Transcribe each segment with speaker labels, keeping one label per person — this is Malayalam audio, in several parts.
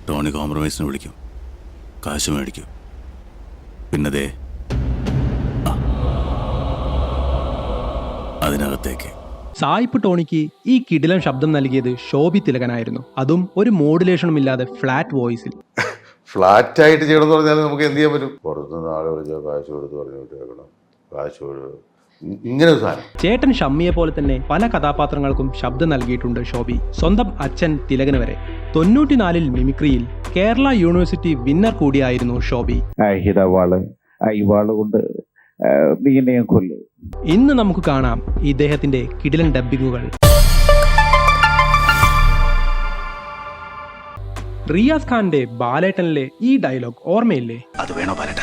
Speaker 1: ടോണി കോംപ്രമൈസിന് വിളിക്കും, കാശ് മേടിക്കും. പിന്നതേ അതിനകത്തേക്ക്.
Speaker 2: സായിപ്പ് ടോണിക്ക് ഈ കിടിലൻ ശബ്ദം നൽകിയത് ശോഭി തിലകനായിരുന്നു. അതും ഒരു മോഡുലേഷനും ഇല്ലാതെ ഫ്ലാറ്റ് വോയിസിൽ.
Speaker 3: ഫ്ലാറ്റ് ആയിട്ട് ചെയ്യണമെന്ന് പറഞ്ഞാൽ നമുക്ക് എന്ത് ചെയ്യാൻ പറ്റും? പുറത്തുനിന്ന് ആളെ വിളിച്ചാൽ കാശ് കൊടുത്ത് പറഞ്ഞു വിട്ടേക്കണം, കാശ് ഇങ്ങനെ ഒരു സാധനം.
Speaker 2: ചേട്ടൻ ഷമ്മിയെ പോലെ തന്നെ പല കഥാപാത്രങ്ങൾക്കും ശബ്ദം നൽകിയിട്ടുണ്ട് ശോഭി. സ്വന്തം അച്ഛൻ തിലകന് വരെ. 94-ൽ മിമിക്രിയിൽ കേരള യൂണിവേഴ്സിറ്റി വിന്നർ കൂടിയായിരുന്നു ശോഭി. ഇന്ന് നമുക്ക് കാണാം ഇദ്ദേഹത്തിന്റെ കിടിലൻ ഡബ്ബിങ്ങുകൾ. റിയാസ് ഖാന്റെ ബാലേട്ടനിലെ ഈ ഡയലോഗ് ഓർമ്മയില്ലേ?
Speaker 1: അത് വേണോ ബാലേട്ട?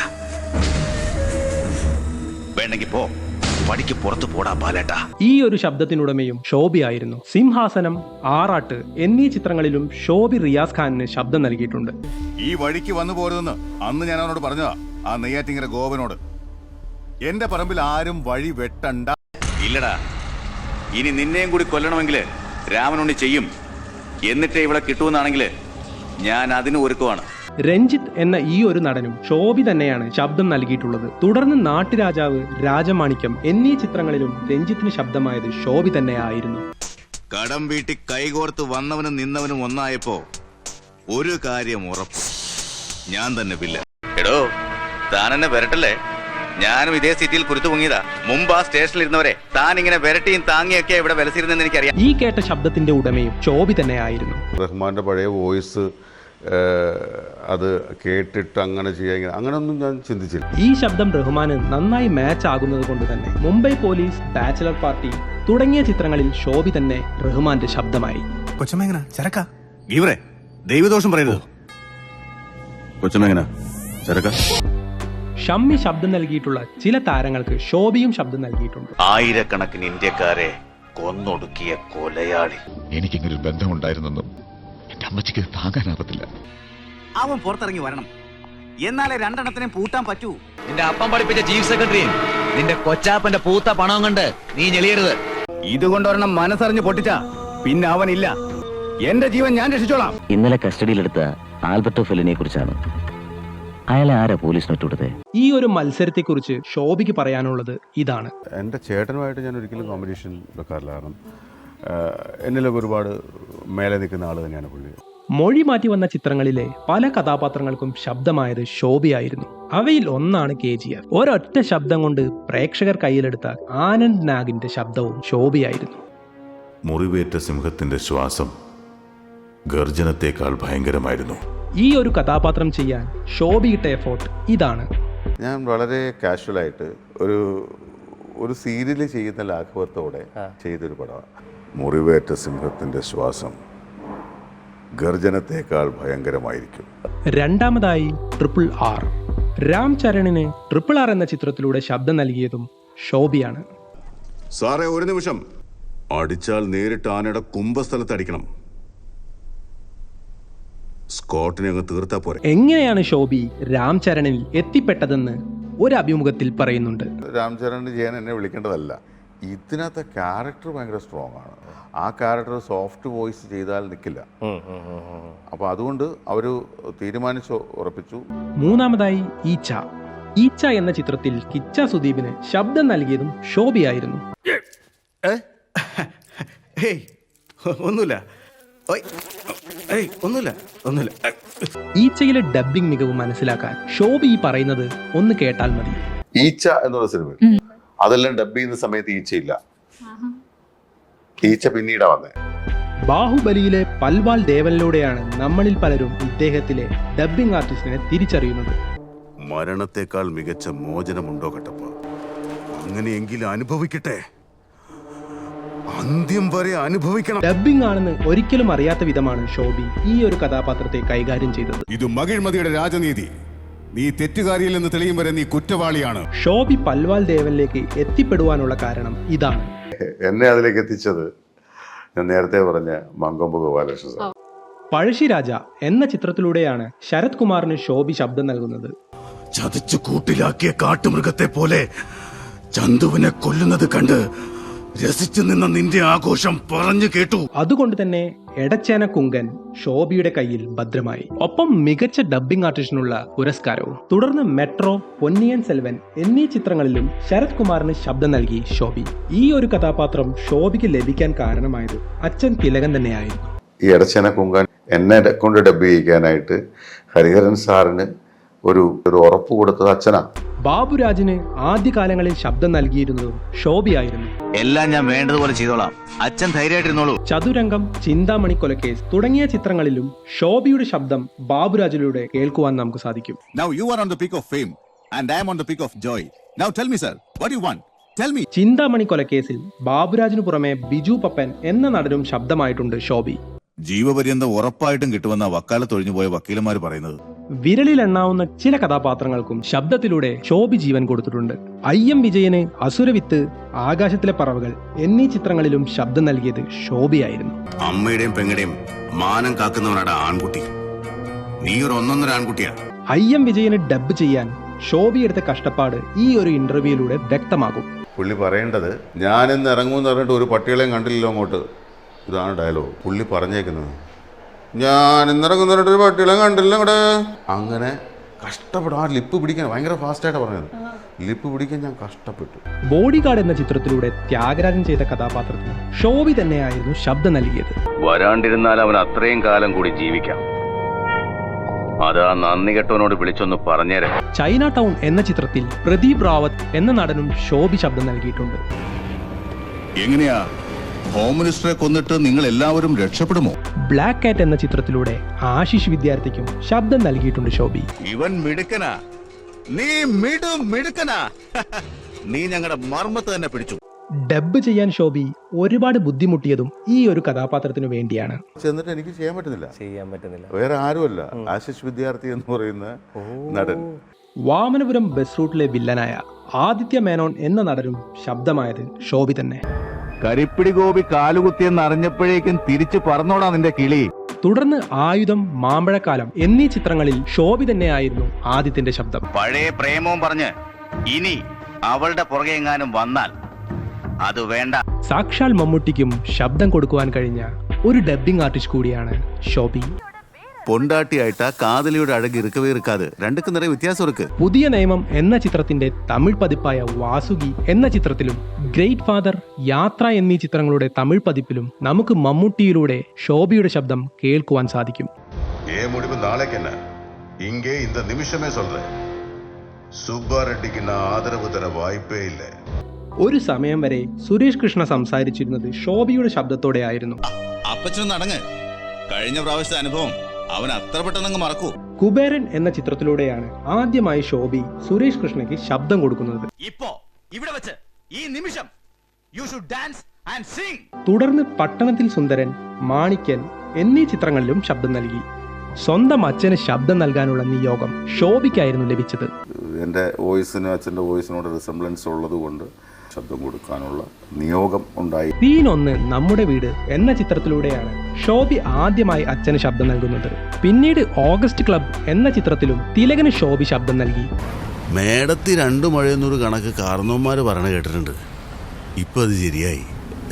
Speaker 1: വേണ്ടെങ്കിൽ പോ, പടിക്ക് പുറത്തു പോടാ ബാലേട്ട.
Speaker 2: ഈ ഒരു ശബ്ദത്തിനുടമയും ശോഭിയായിരുന്നു. സിംഹാസനം, ആറാട്ട് എന്നീ ചിത്രങ്ങളിലും ശോഭി റിയാസ് ഖാനിന് ശബ്ദം നൽകിയിട്ടുണ്ട്.
Speaker 4: ഈ വഴിക്ക് വന്നു പോരുതെന്ന് അന്ന് ഞാൻ അവനോട് പറഞ്ഞതാ, ആ നെയ്യാറ്റിങ്ങര ഗോപനോട്. എന്റെ പറമ്പിൽ ആരും വഴി വെട്ടണ്ട.
Speaker 1: ഇല്ലടാ, ഇനി നിന്നെയും കൂടി കൊല്ലണമെങ്കിൽ രാമനുണ്ണി ചെയ്യും. എന്നിട്ടേ ഇവിടെ കിട്ടുമെന്നാണെങ്കിൽ ഞാൻ അതിന് ഒരുക്കുവാണ്.
Speaker 2: രഞ്ജിത്ത് എന്ന ഈ ഒരു നടനും ശോഭി തന്നെയാണ് ശബ്ദം നൽകിയിട്ടുള്ളത്. തുടർന്ന് നാട്ടുരാജാവ്, രാജമാണിക്യം എന്നീ ചിത്രങ്ങളിലും രഞ്ജിത്തിന് ശബ്ദമായത് ശോഭി തന്നെയായിരുന്നു.
Speaker 4: കടം വീട്ടി കൈകോർത്ത് വന്നവനും നിന്നവനും ഒന്നായപ്പോ ഒരു കാര്യം ഉറപ്പ്, ഞാൻ തന്നെ വില്ല.
Speaker 1: എടോ, താൻ എന്നെ വരട്ടല്ലേ? ഞാനും ഇതേ സിറ്റിയിൽ കുരുത്തു പൊങ്ങിയതാ. മുമ്പ് ആ സ്റ്റേഷനിൽ ഇരുന്നവരെ താൻ ഇങ്ങനെ വരട്ടിയും താങ്ങിയൊക്കെ ഇവിടെ വിലസിരുന്നെന്ന് എനിക്കറിയാം.
Speaker 2: ഈ കേട്ട ശബ്ദത്തിന്റെ ഉടമയും ശോഭി തന്നെയായിരുന്നു.
Speaker 3: റഹ്മാന്റെ പഴയ വോയിസ് അത് കേട്ടിട്ട് അങ്ങനെ ചെയ്യാൻ അങ്ങനെയൊന്നും ഞാൻ ചിന്തിച്ചില്ല.
Speaker 2: ഈ ശബ്ദം റഹ്മാന് നന്നായി മാച്ച് ആകുന്നത് കൊണ്ട് തന്നെ മുംബൈ പോലീസ്, ബാച്ചിലർ പാർട്ടി തുടങ്ങിയ ചിത്രങ്ങളിൽ ശോഭി തന്നെ റഹ്മാന്റെ ശബ്ദമായി.
Speaker 4: കൊച്ചമ്മ ചരക്ക ഗീവറെ ദൈവദോഷം പറയുന്നത്.
Speaker 1: കൊച്ചമ്മ ചരക്ക.
Speaker 2: ഷമ്മി ശബ്ദം നൽകിയിട്ടുള്ള ചില താരങ്ങൾക്ക് ശോഭിയും ശബ്ദം നൽകിയിട്ടുണ്ട്.
Speaker 1: ആയിരക്കണക്കിന് ഇന്ത്യക്കാരെ കൊന്നൊടുക്കിയ കൊലയാളി.
Speaker 5: എനിക്കിങ്ങനൊരു ബന്ധമുണ്ടായിരുന്നെന്നും എന്റെ അമ്മച്ചിക്ക് താങ്ങാനാവത്തില്ല.
Speaker 6: അവൻ പുറത്തിറങ്ങി വരണം, എന്നാലേ രണ്ടെണ്ണത്തിനെ പൂട്ടാൻ പറ്റൂ.
Speaker 7: നിന്റെ അപ്പം പഠിപ്പിച്ച ചീഫ് സെക്രട്ടറിയും നിന്റെ കൊച്ചാപ്പന്റെ പൂത്ത പണവും കൊണ്ട് നീ ഞെളിയരുത്.
Speaker 6: ഇതുകൊണ്ടൊരെണ്ണം മനസ്സറിഞ്ഞ് പൊട്ടിച്ച പിന്നെ അവനില്ല. എന്റെ ജീവൻ ഞാൻ രക്ഷിച്ചോളാം.
Speaker 8: ഇന്നലെ കസ്റ്റഡിയിലെടുത്ത ആൽബർട്ടോ ഫെലിനെ കുറിച്ചാണ്. അയാളെ ആരാ പോലീസിന് വിട്ടുകൊടുത്തത്?
Speaker 2: ഈ ഒരു മത്സരത്തെക്കുറിച്ച് ശോഭിക്ക് പറയാനുള്ളത് ഇതാണ്.
Speaker 3: എൻ്റെ ചേട്ടനുമായിട്ട് ഞാൻ ഒരിക്കലും കോമ്പറ്റീഷൻ വെക്കാറില്ല. കാരണം എന്നിലൊക്കെ ഒരുപാട് മേലെ നിൽക്കുന്ന ആൾ തന്നെയാണ് പുള്ളി.
Speaker 2: മൊഴി മാറ്റി വന്ന ചിത്രങ്ങളിലെ പല കഥാപാത്രങ്ങൾക്കും ശബ്ദമായത് ശോഭിയായിരുന്നു. അവയിൽ ഒന്നാണ് KGF. ഒരൊറ്റ ശബ്ദം കൊണ്ട് പ്രേക്ഷകർ കയ്യിലെടുത്ത ആനന്ദ് നാഗിന്റെ ശബ്ദവും ശോഭിയായിരുന്നു.
Speaker 1: മുറിവേറ്റ സിംഹത്തിന്റെ ശ്വാസം ഗർജനത്തെക്കാൾ ഭയങ്കരമായിരുന്നു.
Speaker 2: ഈ ഒരു കഥാപാത്രം ചെയ്യാൻ ശോഭിയിട്ട എഫോർട്ട് ഇതാണ്.
Speaker 3: ഞാൻ വളരെ കാഷ്വലായിട്ട് ഒരു സീരിയൽ ചെയ്യുന്ന ലാഘവത്തോടെ ചെയ്തൊരു പടമാണ്. മുറിവേറ്റ സിംഹത്തിന്റെ ശ്വാസം ഗർജനത്തെക്കാൾ ഭയങ്കരമായിരിക്കും.
Speaker 2: രണ്ടാമതായി RRR. രാം ചരണിന് RRR എന്ന ചിത്രത്തിലൂടെ ശബ്ദം നൽകിയതും ശോഭിയാണ്.
Speaker 4: സാറേ, ഒരു നിമിഷം. അടിച്ചാൽ നേരിട്ട് ആനയുടെ കുംഭസ്ഥലത്ത് അടിക്കണം. സ്കോട്ടിനെ അങ്ങ് തീർത്താ പോരെ.
Speaker 2: എങ്ങനെയാണ് ശോഭി രാം ചരണിൽ എത്തിപ്പെട്ടതെന്ന് ഒരു അഭിമുഖത്തിൽ പറയുന്നുണ്ട്.
Speaker 3: രാം ചരൺ ചെയ്യാൻ എന്നെ വിളിക്കേണ്ടതല്ല. ഇതിനകത്തെ ക്യാരക്ടർ ഭയങ്കര സ്ട്രോങ് ആണ്. ആ ക്യാരക്ടർ സോഫ്റ്റ് വോയിസ് ചെയ്താൽ നിൽക്കില്ല. അപ്പോൾ അതുകൊണ്ട് അവർ തീരുമാനിച്ചു ഉറപ്പിച്ചു.
Speaker 2: മൂന്നാമതായി ഈച്ച എന്ന ചിത്രത്തിൽ കിച്ച സുദീപിന് ശബ്ദം നൽകിയതും ശോഭിയായിരുന്നു. ഈച്ചയിലെ ഡബ്ബിംഗ് മികവ് മനസ്സിലാക്കാൻ ശോഭി ഈ പറയുന്നത് ഒന്ന് കേട്ടാൽ മതി.
Speaker 3: ഈച്ച എന്നുള്ള സിനിമ അതെല്ലാം ഡബ് ചെയ്യുന്ന സമയത്ത് ഈച്ചയില്ല. ഈച്ച പിന്നീടാ വന്നേ.
Speaker 2: ബാഹുബലിയിലെ പൽവാൾ ദേവനിലൂടെയാണ് നമ്മളിൽ പലരും ഇദ്ദേഹത്തിലെ ഡബ്ബിംഗ് ആർട്ടിസ്റ്റിനെ തിരിച്ചറിയുന്നത്.
Speaker 4: മരണത്തെക്കാൾ മികച്ച മോചനമുണ്ടോ കട്ടപ്പ? അങ്ങനെയെങ്കിലും അനുഭവിക്കട്ടെ, അന്ത്യം വരെ അനുഭവിക്കണം.
Speaker 2: ഡബ്ബിംഗ് ആണെന്ന് ഒരിക്കലും അറിയാത്ത വിധമാണ് ശോഭി ഈ ഒരു കഥാപാത്രത്തെ കൈകാര്യം ചെയ്തത്.
Speaker 4: ഇത് മകിഴ്മതിയുടെ രാജനീതി. നീ തെറ്റുകാരിയല്ലെന്ന് തെളിയും വരെ നീ കുറ്റവാളിയാണ്.
Speaker 2: ശോഭി പൽവാൾ ദേവനിലേക്ക് എത്തിപ്പെടുവാനുള്ള കാരണം ഇതാണ്.
Speaker 3: എന്നെ അതിലേക്ക് എത്തിച്ചത് ഞാൻ നേരത്തെ പറഞ്ഞ മങ്കൊമ്പ് ഗോപാലകൃഷ്ണൻ.
Speaker 2: പഴശ്ശിരാജ എന്ന ചിത്രത്തിലൂടെയാണ് ശരത് കുമാറിന് ശോഭി ശബ്ദം നൽകുന്നത്.
Speaker 4: ചതച്ചു കൂട്ടിലാക്കിയ കാട്ടുമൃഗത്തെ പോലെ ചന്തുവിനെ കൊല്ലുന്നത് കണ്ട് രസിച്ചു നിന്ന നിന്റെ ആഘോഷം പറഞ്ഞു കേട്ടു.
Speaker 2: അതുകൊണ്ട് തന്നെ എടച്ചേന കുങ്കൻ ശോഭിയുടെ കയ്യിൽ ഭദ്രമായി. ഒപ്പം മികച്ച ഡബ്ബിംഗ് ആർട്ടിസ്റ്റിനുള്ള പുരസ്കാരവും. തുടർന്ന് മെട്രോ, പൊന്നിയൻ സെൽവൻ എന്നീ ചിത്രങ്ങളിലും ശരത് കുമാറിന് ശബ്ദം നൽകി ശോഭി. ഈ ഒരു കഥാപാത്രം ശോഭിക്ക് ലഭിക്കാൻ കാരണമായത് അച്ഛൻ തിലകൻ തന്നെയായിരുന്നു.
Speaker 3: ഈ എടച്ചേന കുങ്കാൻ എന്നെ കൊണ്ട് ഡബ് ചെയ്യിക്കാനായിട്ട് ഹരിഹരൻ സാറിന് ഒരു ഉറപ്പ് കൊടുത്തത് അച്ഛനാണ്.
Speaker 2: ബാബുരാജിന് ആദ്യകാലങ്ങളിൽ ശബ്ദം നൽകിയിരുന്നതും ശോഭിയായിരുന്നു.
Speaker 4: എല്ലാം ഞാൻ വേണ്ടതുപോലെ ചെയ്തോളാം, അച്ഛൻ ധൈര്യമായിട്ടിരുന്നോളൂ.
Speaker 2: ചതുരംഗം, ചിന്താമണി കൊലക്കേസ് തുടങ്ങിയ ചിത്രങ്ങളിലും ശോഭിയുടെ ശബ്ദം ബാബുരാജിലൂടെ കേൾക്കുവാൻ നമുക്ക് സാധിക്കും.
Speaker 4: Now you are on the peak of fame and I am on the peak of joy. Now tell me sir, what do you want? Tell me.
Speaker 2: Chintamani കൊലക്കേസിൽ ബാബുരാജിനു പുറമെ ബിജു പപ്പൻ എന്ന നടനും ശബ്ദമായിട്ടുണ്ട് ശോഭി.
Speaker 4: ജീവപര്യന്തം ഉറപ്പായിട്ടും കിട്ടുമെന്ന വക്കാലത്ത് ഒഴിഞ്ഞുപോയ വക്കീലന്മാർ പറയുന്നത്.
Speaker 2: വിരലിൽ എണ്ണാവുന്ന ചില കഥാപാത്രങ്ങൾക്കും ശബ്ദത്തിലൂടെ ശോഭി ജീവൻ കൊടുത്തിട്ടുണ്ട്. IM വിജയന് അസുരവിത്ത്, ആകാശത്തിലെ പറവകൾ എന്നീ ചിത്രങ്ങളിലും ശബ്ദം നൽകിയത് ശോഭിയായിരുന്നു.
Speaker 4: അമ്മയുടെയും പെങ്ങളുടെയും മാനം കാക്കുന്നവനാണ് ആൺകുട്ടി. നീ ഒരു ഒന്നൊന്നര ആൺകുട്ടിയാ.
Speaker 2: IM വിജയന് ഡബ് ചെയ്യാൻ ശോഭി എടുത്ത കഷ്ടപ്പാട് ഈ ഒരു ഇന്റർവ്യൂയിലൂടെ വ്യക്തമാകും.
Speaker 3: പുള്ളി പറയേണ്ടത് ഞാനിന്ന് ഇറങ്ങുമെന്ന് പറഞ്ഞിട്ട് ഒരു പട്ടികളെയും കണ്ടില്ലല്ലോ അങ്ങോട്ട്. ഇതാണ് ഡയലോഗ് പുള്ളി പറഞ്ഞേക്കുന്നത്. ഞാൻ ഇന്നിറങ്ങുന്ന ഒരു പട്ടികളെയും കണ്ടില്ല ഇവിടെ. അങ്ങനെ കഷ്ടപ്പെടും. ആ ലിപ്പ് പിടിക്കാൻ ഭയങ്കര ഫാസ്റ്റായിട്ടാണ് പറഞ്ഞത്. ലിപ്പ് പിടിക്കാൻ ഞാൻ കഷ്ടപ്പെട്ടു.
Speaker 2: ബോഡി ഗാർഡ് എന്ന ചിത്രത്തിലൂടെ ത്യാഗരാജൻ ചെയ്ത കഥാപാത്രത്തിന് ശോഭി തന്നെയായിരുന്നു ശബ്ദം നൽകിയത്.
Speaker 1: വരാണ്ടിരുന്നാൽ അവൻ അത്രയും കാലം കൂടി ജീവിക്കാം. അതാ നന്ദി കെട്ടവനോട് വിളിച്ചൊന്ന് പറഞ്ഞേരാ.
Speaker 2: ചൈന ടൗൺ എന്ന ചിത്രത്തിൽ പ്രദീപ് റാവത്ത് എന്ന നടനും ശോഭി ശബ്ദം നൽകിയിട്ടുണ്ട്.
Speaker 4: എങ്ങനെയാ ഹോം മിനിസ്റ്ററെ കൊന്നിട്ട് നിങ്ങൾ എല്ലാവരും രക്ഷപ്പെടുമോ?
Speaker 2: ബ്ലാക്ക് കാറ്റ് എന്ന ചിത്രത്തിലൂടെ ആശിഷ് വിദ്യാർത്ഥിക്കും ശബ്ദം നൽകിയിട്ടുണ്ട് ശോഭി.
Speaker 4: ഇവൻ മിടുക്കനാ, നീ മിടുക്കനാ. നീ ഞങ്ങളുടെ മർമ്മത്ത് തന്നെ പിടിച്ചു.
Speaker 2: ഡബ് ചെയ്യാൻ ശോഭി ഒരുപാട് ബുദ്ധിമുട്ടിയതും ഈ ഒരു കഥാപാത്രത്തിനു വേണ്ടിയാണ്.
Speaker 3: ചെന്നിട്ട് എനിക്ക് ചെയ്യാൻ പറ്റുന്നില്ല. വേറെ ആരുമല്ല, ആശിഷ് വിദ്യാർത്ഥി എന്ന് പറയുന്ന നടൻ.
Speaker 2: വാമനപുരം ബസ് റൂട്ടിലെ വില്ലനായ ആദിത്യ മേനോൻ എന്ന നടനും ശബ്ദമായത് ശോഭി തന്നെ.
Speaker 6: കരിപ്പിടി ഗോപി കാലുകുത്തിയെന്ന് അറിഞ്ഞപ്പോഴേക്കും തിരിച്ചു പറന്നോടാ നിന്റെ കിളി.
Speaker 2: തുടർന്ന് ആയുധം, മാമ്പഴക്കാലം എന്നീ ചിത്രങ്ങളിൽ ശോഭി തന്നെയായിരുന്നു ആദിത്യന്റെ ശബ്ദം.
Speaker 1: പഴയ പ്രേമവും പറഞ്ഞ് ഇനി അവളുടെ പുറകെ എങ്ങാനും വന്നാൽ അത് വേണ്ട.
Speaker 2: സാക്ഷാൽ മമ്മൂട്ടിക്കും ശബ്ദം കൊടുക്കുവാൻ കഴിഞ്ഞ ഒരു ഡബ്ബിംഗ് ആർട്ടിസ്റ്റ് കൂടിയാണ് ശോഭി.
Speaker 4: പൊണ്ടാട്ടിയായിട്ടാ കാതലിയുടെ അഴക് ഇറുക്കവേ ഇറുക്കാതെ രണ്ടുക്ക് നിറയെ വ്യത്യാസം ഇருக்கு.
Speaker 2: പുതിയ നിയമം എന്ന ചിത്രത്തിന്റെ തമിഴ് പതിപ്പായ വാസുകി എന്ന ചിത്രത്തിലും ഗ്രേറ്റ് ഫാദർ, യാത്ര എന്നീ ചിത്രങ്ങളുടെ തമിഴ് പതിപ്പിലും നമുക്ക് മമ്മൂട്ടിയിലൂടെ ശോഭിയുടെ ശബ്ദം കേൾക്കുവാൻ സാധിക്കും.
Speaker 9: முடிவு நாளைக்கு என்ன இங்கே இந்த நிமிஷமே சொல்றேன். സുബ്ബാറെഡ്ഡിക്ക് ആദരവ് തര വായ്പേ ഇല്ല.
Speaker 2: ഒരു സമയം വരെ സുരേഷ് കൃഷ്ണ സംസാരിച്ചിരുന്നത് ശോഭിയുടെ ശബ്ദത്തോടെ ആയിരുന്നു.
Speaker 4: അപ്പച്ചൻ നടങ്ങ്, കഴിഞ്ഞ പ്രാവശ്യത്തെ അനുഭവം അവൻ അത്ര പെട്ടെന്ന് മറക്കൂ.
Speaker 2: കുബേരൻ എന്ന ചിത്രത്തിലൂടെയാണ് ആദ്യമായി ശോഭി സുരേഷ് കൃഷ്ണയ്ക്ക് ശബ്ദം കൊടുക്കുന്നത്.
Speaker 7: ഇപ്പോ ഇവിടെ വെച്ച് ഈ നിമിഷം you should dance and sing.
Speaker 2: തുടർന്ന് പട്ടണത്തിൽ സുന്ദരൻ, മാണിക്യൻ എന്നീ ചിത്രങ്ങളിലും ശബ്ദം നൽകി. സ്വന്തം അച്ഛന് ശബ്ദം നൽകാനുള്ള നിയോഗം ശോഭിക്കായിരുന്നു ലഭിച്ചത്.
Speaker 3: എൻ്റെ വോയിസിന് അച്ഛൻ്റെ വോയിസിനോട് റിസംബ്ലൻസ് ഉള്ളത് കൊണ്ട് ശബ്ദം കൊടുക്കാനുള്ള നിയോഗം ഉണ്ടായി.
Speaker 2: സീൻ 1 നമ്മുടെ വീട് എന്ന ചിത്രത്തിലൂടെയാണ് ശോഭി ആദ്യമായി അച്ഛന് ശബ്ദം നൽകുന്നത്. പിന്നീട് ഓഗസ്റ്റ് ക്ലബ് എന്ന ചിത്രത്തിലും തിലകന് ശോഭി ശബ്ദം നൽകി.
Speaker 4: മേടത്തി 2 മഴയെന്നൊരു കണക്ക് കാരണവന്മാര് പറഞ്ഞ കേട്ടിട്ടുണ്ട്. ഇപ്പൊ അത് ശരിയായി.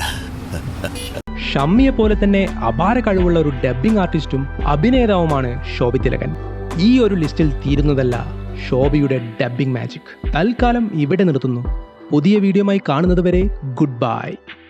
Speaker 2: ഷമ്മിയെ പോലെ തന്നെ അപാര കഴിവുള്ള ഒരു ഡബ്ബിംഗ് ആർട്ടിസ്റ്റും അഭിനേതാവുമാണ് ശോഭി തിലകൻ. ഈ ഒരു ലിസ്റ്റിൽ തീരുന്നതല്ല ശോഭിയുടെ ഡബ്ബിംഗ് മാജിക്. തൽക്കാലം ഇവിടെ നിർത്തുന്നു. പുതിയ വീഡിയോയുമായി കാണുന്നത് വരെ ഗുഡ് ബൈ.